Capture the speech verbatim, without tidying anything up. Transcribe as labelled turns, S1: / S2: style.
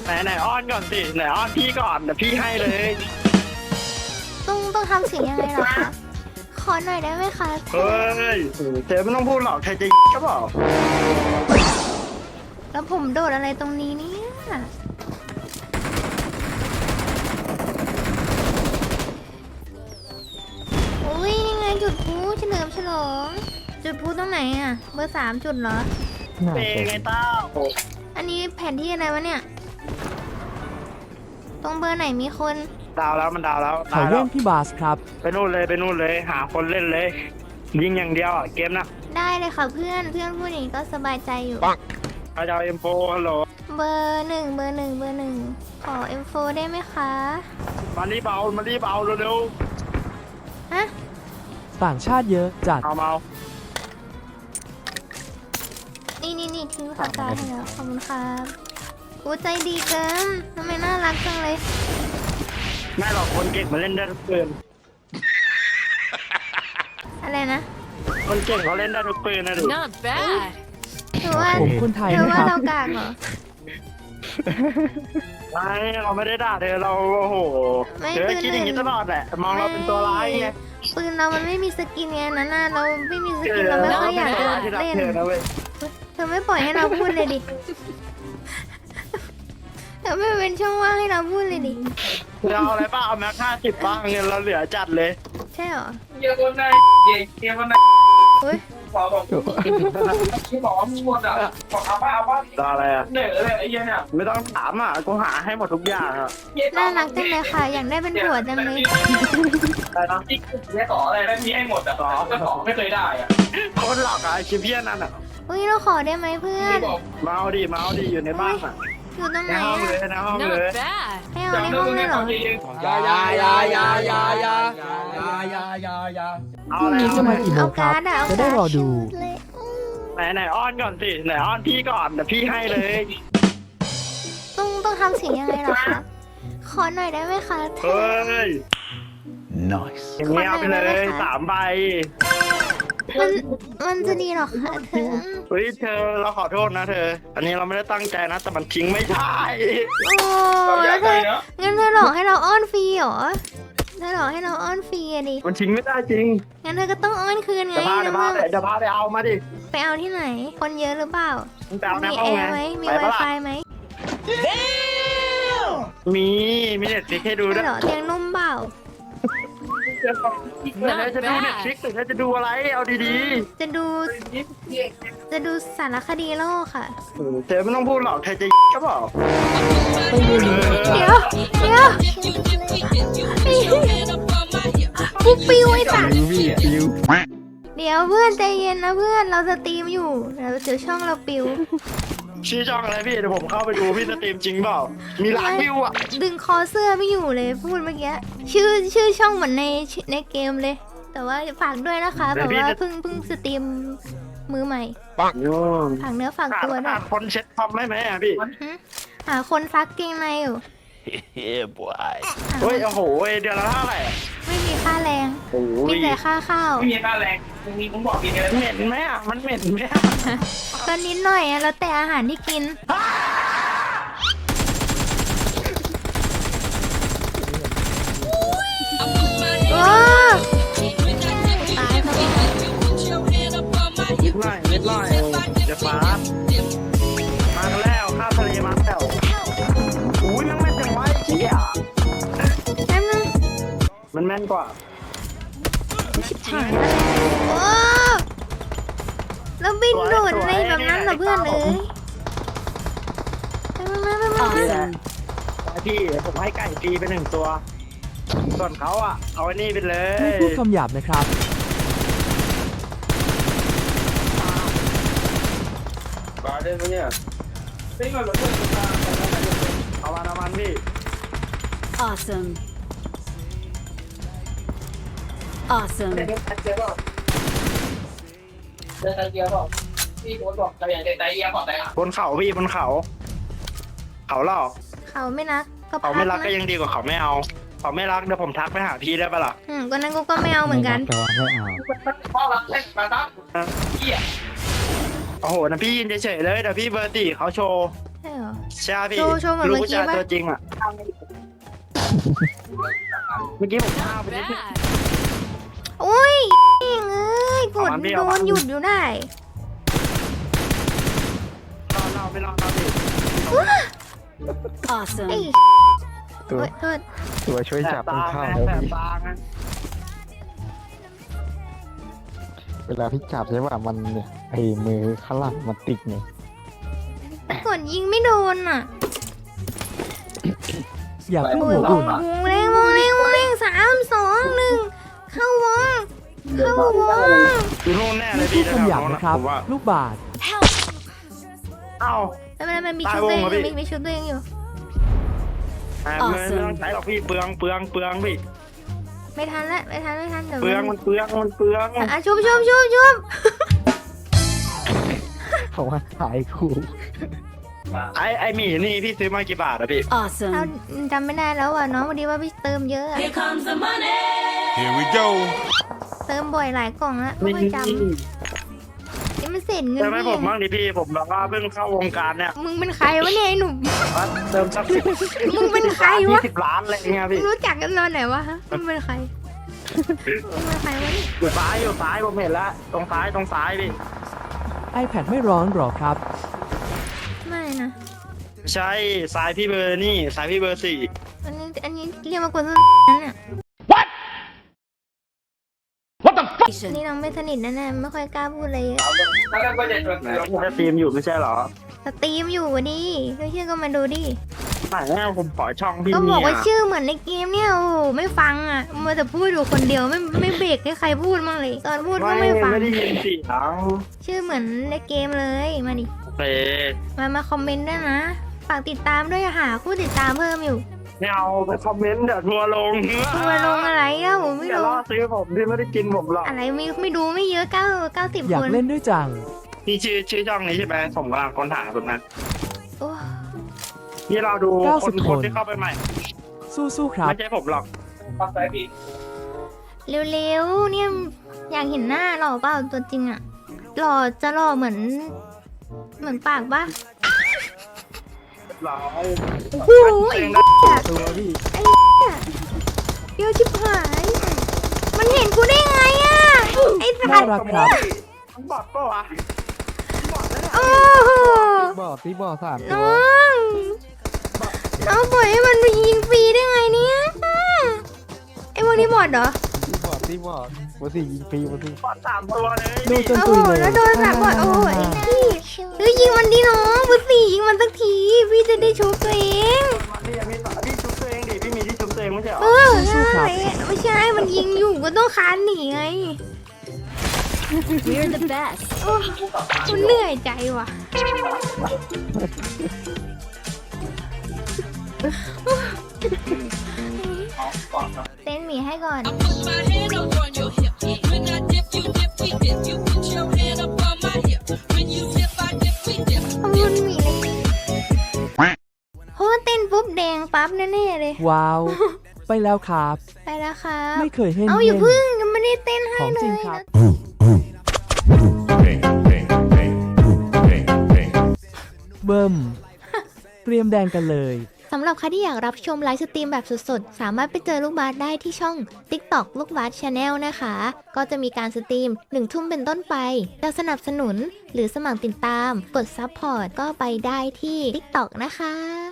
S1: ไหนไหนอ้อนก่อนสิไหนอ้อนพี่ก่อนเดี๋ยวพี่ให้เลย
S2: ต้องต้องทำเสียงยังไงเหรอคะขอหน่อยได้ไหมคะเธ
S1: เฮ้
S2: อย
S1: เธอไม่ต้องพูดหรอกเธอจะก็บอก
S2: แล้วผมโดดอะไรตรงนี้เนี่ยอุ้ยนี่ไงจุดพลุเฉลิมฉลองจุดพลุตรงไหนอ่ะเบอร์สามจุดเหรอ
S1: เป็นไงเต้า
S2: อันนี้แผนที่อะไรวะเนี่ยตรงเบอร์ไหนมีคน
S1: ดาวแล้วมันดาวแล้ว
S3: ขอ
S1: ดาว
S3: เยี่
S1: แล้
S3: ยว มพี่บาสครับ
S1: ไปนู่นเลยไปนู่นเลยหาคนเล่นเลย ยิงอย่างเดียวอ่ะเกมนะ
S2: ได้เลยค่ะเพื่อนเพื่อนพูดอย่างนี้ก็สบายใจอยู่
S1: พระเจ้าเอ็มโฟฮัลโหล
S2: เบอร์หนึ่งเบอร์หนึ่งเบอร์หนึ่งขอเอ็มโฟได้ไหมคะ
S1: มารีบเอามารีบเอาเร็ว
S2: ฮะ
S3: ต่างชาติเยอะจัด
S1: ๆเอาเมา
S2: นี่นี่นี่ทิ้งปากกาให้แล้วขอบคุณครับกูใจดีเกินทำไมน่ารักจังเลย
S1: ไม่หรอกคนเก่งมาเล่นได้ทุกปืน
S2: อะไรนะ
S1: คนเก่งเขาเล่นได้ทุกปืนนะดู
S4: Not bad.
S2: ถือว่า
S3: ผมคนไทย
S2: ถือ
S3: นะ
S2: ว่า
S3: ครับ
S2: เรากากเหรอ
S1: ไม่เราไม่ได้ด่าเธอเราโอ้โห
S2: ไม่
S1: เธอ
S2: คือ
S1: คิดอย่างนี้
S2: หนึ่
S1: ต
S2: ง
S1: ลอดแหละมองเราเป็นตัวร้ายไง
S2: ปืนเรามันไม่มีสกินไงนั่นน่ะเราไม่มีสกินเราไม่ค่อยอยาก
S1: เเป็นตัวร้ายที่รัก
S2: เล่น
S1: เธอนะเว้ย
S2: เธอไม่ปล่อยให้เราพูดเลยดิเธอไม่เป็นช่องว่างให้เราพูดเลยดิ
S1: เธอเอาอะไรบ้างเอาแม็กห้าสิบบ้างเงินเราเหลือจัดเลย
S2: ใช่เหรอ
S5: เยอะคนไหนเย่เยอะคนไหน
S2: อุ้ย
S5: บอกบอกที่บอกว่าหมดอ่ะบอกเอาป้าเอาป้า
S1: ตาอะไรอ่ะ
S5: เหนื่อยเลยไอ้เหี้ยเนี่ย
S1: ไม่ต้องถามอ่ะกูหาให้หมดทุกอย่างอ่ะ
S2: น่ารักจังเลยค่ะ อยากได้เป็นผัวจังเลย
S1: อะไรนะ
S5: ที่แค่ต่ออะไรได้มีให้หมดอ่ะต่อก็ต่อไม่เคยได้อ่ะ
S1: คนหลอกอะไอ้ชิมเพี้ยนนั่นอ่ะ
S2: อุ้ยเราขอได้ไหมเพื่อน
S5: ที่บอก
S1: เมาดิเมาดิอยู่ในบ้านอ่ะ
S2: อยู่ตรง
S1: ใน
S2: ไหน
S1: ห้องเล
S2: อะ
S1: ยในห้องเลย
S4: Not bad.
S2: ให้เอาในห้องเลยเหรอ
S6: ยายายายายายายายายายา
S1: เอา
S3: พรุ่ง
S1: อะไร
S3: นี้จะมากี่โม
S2: เอา
S3: งครั
S2: กา
S3: บ
S2: ร์ดอะเอา
S3: จะได้
S2: การ์ด
S3: รอดู
S2: ชุเลยอืม
S1: ไหนไหนอ้อนก่อนสิไหนอ้อนพี่ก่อนเดี๋ยวพี่ให้เลย
S2: ต้องต้องทำเสียงยังไงเหรอคะขอหน่อยได้ไหมคะเธ
S1: เฮ้
S2: อย
S6: nice
S1: อย่างนี้เอาไปเลยสามใบ
S2: มันมันจะดีเหรอคะเธอ
S1: เฮ้ยเธอเราขอโทษนะเธอ อันนี้เราไม่ได้ตั้งใจนะแต่มันทิ้งไม่ได้
S2: โอ้แล้วเธองั้นเธอหลอกให้เราอ้อนฟรีเหรอเธอหลอกให้เราอ้อนฟรีอะดิ
S1: มันทิ้งไม่ได้จริง
S2: งั้นเธอก็ต้องอ้อนคืนไง
S1: เดี๋ยวพาเดี๋ยวพาเดี๋ยวพาไปเอามาดิ
S2: ไปเอาที่ไหน คนเยอะหรือเปล่า
S1: มึงไปเอาใน
S2: มี
S1: ห้อง
S2: แอ
S1: ไง
S2: ร์ไหมมี
S1: ไปปะล่ะ
S2: Wi-Fi ไหม
S1: มีมีเน็ตฟิกให้ดูด้
S2: ใช่
S1: วย
S2: เหรอเตียงนุ่มเปล่า
S1: เดี๋ยวจะดูเน็ตฟิกหรือจะดูอะไรเอาดี
S2: จะดู จะดูสารคดีโลกค่ะ
S1: ๆเธอไม่ต้องพูดหรอกเธอจะก็บอก
S2: เดี๋ยว เดี๋ยวปุ๊บปิวไอ้สัตว์เดี๋ยวเพื่อนใจเย็นนะเพื่อนเราสตรีมอยู่เดี๋ยวเดี๋ยวช่องเราปิว
S1: ชื่อช่องอะไรพี่เดี๋ยวผมเข้าไปดูพี่สตรีมจริงเปล่ามีล้านวิวอ่ะ
S2: ดึงคอเสื้อไม่อยู่เลยพูดเมื่อกี้ชื่อชื่อช่องเหมือนในในเกมเลย แต่ว่าฝากด้วยนะคะแบบว่าเพิ่งเพิ่งสตรีมมือใหม่
S1: ปังโย
S2: ฝากเนื้อฝาก
S1: ขาด
S2: ตัวด้ว
S1: ขาย ดคนเช็ดคอมได้ไหมอ่ะพี่
S2: หึหาคนซักเกงในอยู่
S6: yeah boy
S2: หา
S1: เฮ้ยโอ้โหเดือนละเท่าไหร่อะ
S2: ไม่มีค่าแรง
S1: โอ้
S2: มี
S1: ย
S2: แต่ค่าข้าว
S5: ไม่มีค่าแรงมึงมีมึงบอกกินกัน
S1: เหม็นไหมอ่ะมันเหม็นไหมอ่ะ
S2: ก็นิดหน่อยอะแล้วแต่อาหารที่กินโอ้ตายซะแล้ว
S1: นิดหน่อยนิดหน่อยเดี๋ยวฟ้ามากันแล้วข้าวทะเลมาแล้วอุ้ยมันแม่นจังวะไอ้เหี้ย
S2: แป๊บนึง
S1: มันแม่นกว่า
S2: หายแล้วโอ้แล้วบินโดดอะไรแบบนั้นเหรอเพื่อนเอ้ยไปมาไปมา
S1: นี่แหละพี่ผมให้ไก่ฟรีไปหนึ่งตัว ส่วนเขาอ่ะ เอาไอ้นี่ไปเล
S3: ไม่
S1: ย
S3: พูดคำหยาบนะครับ
S1: บาได้ไหมเนี่ย
S5: ไม่มาหรอก
S1: เอาวันเอาวันพี่
S4: Awesome. Awesome.
S5: เจ๊บอกเจ๊บอกเจ๊เจ๊บอกพี่โบ๊ทบอกแต่อย่างเจ๊ใจเยี่ยมบอกแต่อ่ะ
S1: บนเขาพี่บนเขา เขาหลอก
S2: เขาไม่รักก็
S1: เขา
S2: พั
S1: ไม่
S2: ก
S1: รักก็
S2: นะ
S1: ยังดีกว่าเขาไม่เอา เขาไม่รักเดี๋ยวผมทักไปหาพี่ได้ปะล่ะ
S2: อืมก็นั้นกูก็ไม่เอาเหมือนกัน
S3: แต่ว่าไม่เอา
S5: พ่อรักเล่นมาตั้งเหี้ย
S1: โอ้โหนะพี่ยินเฉยๆเลยเดี๋ยวพี่เบอร์ตีเขาโชว์
S2: ช่เหรอ
S1: ใช่พี่
S2: โชว์โชว์เหมือน
S1: ลูก
S2: เมื่อ
S1: ผู้
S2: กี้
S1: ชาย
S2: ปะ
S1: ตัวจริงอ่ะเมื่อกี้ผมฆ่าไปนิดนึง
S4: Bad.
S2: โอ้ยเอ้ยกด
S1: เอามันพี่
S2: โด
S1: เอามัน น
S2: หยุดอยู่ได้
S1: รอเราไม่รอเราดิ
S4: Awesome.
S2: ไอ้
S7: ตัว
S2: โอ๊ยโทษ
S7: ตัวช่วยจับ
S1: แส
S7: ต้
S1: บ
S7: อง
S1: ตา
S7: เข้า
S1: ไง
S7: แล้ว
S1: แสบ
S7: พี่
S1: ตาไง
S7: เวลาพี่จับใช่ป่ะมันเนี่ยไอ้มือข้างหลังมันติดเนี่ย
S2: กดยิงไม่โดนอ่ะ
S3: อย่าเพิ่ง
S2: โอ้
S3: หั
S2: ยว ว
S3: อุ่
S2: ง
S3: น
S2: วงเร่งวงเร่งวงเร่งสามสองหนึ่งเข้าวงเข้าวง
S1: อยู่นู่นแน่เล
S3: ไม่
S1: ย
S3: พู
S1: พี่
S3: ดคำหยาบ
S1: แถวๆ
S3: นะครับ
S1: ผมว่า
S3: ลูกบาศก์
S1: เอ้า
S2: ไม่เป็นไรมันมี
S1: ตาย
S2: ชุดตัวเอง
S1: วงเหรอ
S2: อยู่
S1: พี่
S2: มีมีชุดตัวเองอยู่
S1: อ่าไม่ไม่ต้องใช้หรอกพี่เปลืองเปลืองเปลืองพี่
S2: ไม่ทันละไม่ทันไม่ทันเดี๋ยว
S1: เปลือง
S2: มั
S1: มัน นเปลืองมันเปลือง
S2: อ่ะชุบชุบชุบชุบ
S7: เขาว่าหายคู่
S1: ไอไอหมีนี่พี่ซื้อมากี่บาทอะพี่
S2: เรา
S4: Awesome.
S2: จำไม่ได้แล้วอ่ะน้องพอดีว่าพี่เติมเยอะอะ
S4: Here comes the money.
S8: Here we go.
S2: เติมบ่อยหลายกล่องละไม่ค่อยจำนี่มันเสร็จเงิน
S1: เติมให้
S2: พี่
S1: ผมบ้างดิพี่ผมแบบว่าเพิ่งเข้าวงการเนี่ย
S2: มึงเป็นใครวะเนี่ยไอ้หนุ่ม
S1: เติมสักสิบ
S2: มึงเป็นใครวะ
S1: ยี่สิบล้านอะไรเงี้ย
S2: มึ
S1: พี่
S2: งรู้จักกันตอนไหนวะฮะมึงเป็นใครมึงเป็นใครวะเนี่ย
S1: อยู่ซ้ายอยู่ซ้ายผมเห็นแล้วตรงซ้ายตรงซ้ายพี่
S3: iPad ไม่ร้อนหรอครับ
S2: ไม่นะ
S1: ใช่ซ้ายพี่เบอร์นี่ซ้ายพี่เบอร์สี่
S2: อันนี้อันนี้เรียกว่ากวนส้นนั่นน่ะอันนี้น้องไม่สนิทแน่ๆไม่ค่อยกล้าพูดอะไรเยอะ
S5: แล้วก็จะจด
S1: ไหนพี่จะทีมอยู่ไม่ใช่เหรอ
S2: สตรีมอยู่วะดิไม่เชื่อก็มาดูดิ
S1: ไหนแม่ผมขอช่องพี่
S2: ก็บ
S1: เนี่
S2: อก
S1: ย
S2: ว่าชื่อเหมือนในเกมเนี่ยโอ้โหไม่ฟังอ่ะมัวแต่พูดอยู่คนเดียวไม่ไม่เบรกให้ใครพูดบ้างเลย ตอนพูดก็
S1: ไม่
S2: ไม่ฟัง
S1: ไม่ได้ยินเสียง
S2: ชื่อเหมือนในเกมเลยมาดิ
S1: โอเค
S2: มามาคอมเมนต์ด้วยนะฝากติดตามด้วยหาผู้ติดตามเพิ่มอยู่
S1: ไม่เอาไปคอมเมนต์เดี๋ยวทัวร์ลง
S2: ตัวลงอะไรเล่าไม่
S1: อย่า
S2: รู้
S1: ล่อซื้อผมที่ไม่ได้กินผมหรอก
S2: อะไรไม่ไม่ดูไม่เยอะเก้าเก้าสิบ
S3: อยา
S2: ค
S3: ก
S2: น
S3: เล่นด้วยจัง
S1: นี่ชื่อชื่อช่องนี้ใช่ไหมผมกำลังค้นหาแบบนั้น
S2: โอ้
S1: นี่เราดู
S3: เก้า
S1: ค
S3: สิ
S1: น
S3: บ
S1: คน
S3: คน
S1: ที่เข้าไปใหม่
S3: สู้ๆครับ
S1: ไม่ใช่ผมหรอก
S5: ปักใจพี่
S2: เร็วๆเนี่ยอยากเห็นหน้าหล่อเปล่าตัวจริงอ่ะหล่อจะหล่อเหมือน เหมือนปากปะ
S1: หรอ
S2: โอ้โหไอ้เหี้ย
S7: ตัวพี่
S2: ไอ้เหี้ยเดี๋ยวชิบหาย มันเห็นกูได้ไงอ่ะไอ้สั
S3: น่า
S2: ตว์
S3: รักครับ
S1: มันบอดปะวะบอดแล้วเนี่ย
S2: โอ้โห
S7: บอดที่บอดสามตั
S2: น้
S7: ว
S2: องน้องปล่อยให้มันไปยิงฟรีได้ไงเนี่ยไอ้พวกนี้บอดเหรอ
S7: ที่บอดที่บอดบอดสี่ยิงฟรีบอดสี่
S1: บอดสามตัวเลย
S3: ดูจน
S2: โอ้
S3: ตุ
S2: โห
S3: ยเลย
S2: แล้วโดนสับบอดโอ้โหไอ้พี่เฮ้ยยิงมันดิน้องบุษียิงมันสักทีพี่จะได้ชุบตัวเอง
S1: พี่มีพี่ชุบตัวเองดิพี่มีที่ชุบตัวเองไม่ใช่เหรอ
S2: เออใช่ไม่ใช่มันยิงอยู่ก็ต้องคานหนีไง
S4: We're the best.
S2: โอ้มันเหนื่อยใจว่ะ เต้นหมีให้ก่อน
S9: Put my hand up on your hip. When I dip, you dip, we dip. You put your hand up on my hip. When you dip, I dip, we dip.
S2: ขอบคุณหมีเลยเพราะว่าเต้นปุ๊บแดงปั๊บแน่ๆเลย
S3: ว้าว ไปแล้วครับ
S2: ไปแล้วครับ
S3: ไม่เคยเห็น
S2: เอาอย่าพึ่งยังไม่ได้เต้นให้
S3: ของ
S2: เล
S3: จริง
S2: ย
S3: ครับ
S8: Bang, bang, bang, bang, bang.
S3: เบิ่มเตรียมแดงกันเลย
S2: สำหรับใครที่อยากรับชมไลฟ์สตรีมแบบสดๆ สามารถไปเจอลูกบาสได้ที่ช่อง TikTok ลูกบาส Channel นะคะ ก็จะมีการสตรีมหนึ่งทุ่มเป็นต้นไป จะสนับสนุนหรือสมัครติดตาม กดซับพอร์ตก็ไปได้ที่ TikTok นะคะ